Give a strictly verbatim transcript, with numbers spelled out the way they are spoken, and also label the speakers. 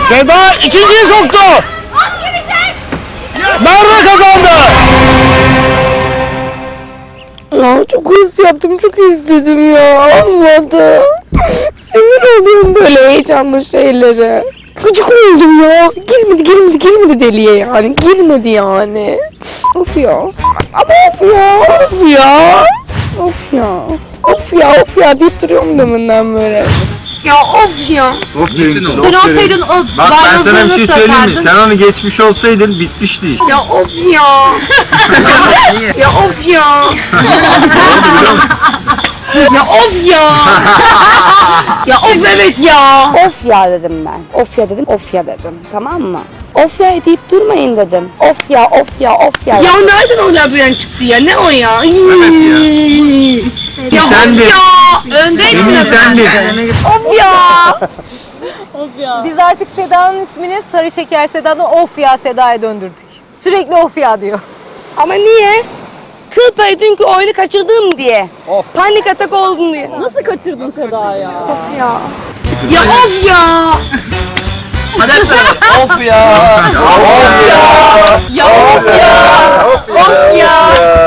Speaker 1: Seda ikinciyi soktu. Merve kazandı.
Speaker 2: Ya çok hız yaptım, çok istedim ya. Olmadı. Sinir oluyorum böyle heyecanlı şeylere. Gıcık oldum ya. Girmedi, girmedi, girmedi deliye yani. Girmedi yani. Of ya. Ama of ya. Of ya. Of ya. Of ya, of ya deyip duruyorum deminden böyle. Ya of ya.
Speaker 3: Of dedim.
Speaker 4: Sen olsaydın o
Speaker 3: Bak ben sana bir şey söyleyeyim mi?
Speaker 4: sakardın.
Speaker 3: Sen onu geçmiş olsaydın bitmişti iş.
Speaker 2: Ya of ya. Ya of ya. Ya of ya. Ya of evet ya. Of ya dedim ben. Of ya dedim, of ya dedim. Tamam mı? Of ya deyip durmayın dedim. Of ya, of ya, of ya. Ya nereden o labirent çıktı ya? Ne o ya?
Speaker 3: Evet ya.
Speaker 2: Ya
Speaker 3: Sendin.
Speaker 2: of ya. Öndeydin.
Speaker 3: Emin sendin.
Speaker 2: Of ya.
Speaker 5: Biz artık Seda'nın ismini Sarı Şeker Seda'dan Of Ya Seda'ya döndürdük. Sürekli Of Ya diyor.
Speaker 2: Ama niye? Kıl payı dünkü oyunu kaçırdım diye. Of. Panik atak oldum diye.
Speaker 5: Nasıl kaçırdın Seda ya?
Speaker 2: Of ya. Ya of ya.
Speaker 3: Hadi hep beraber.
Speaker 1: Of ya.
Speaker 3: Of ya.
Speaker 5: Ya of ya. Of ya.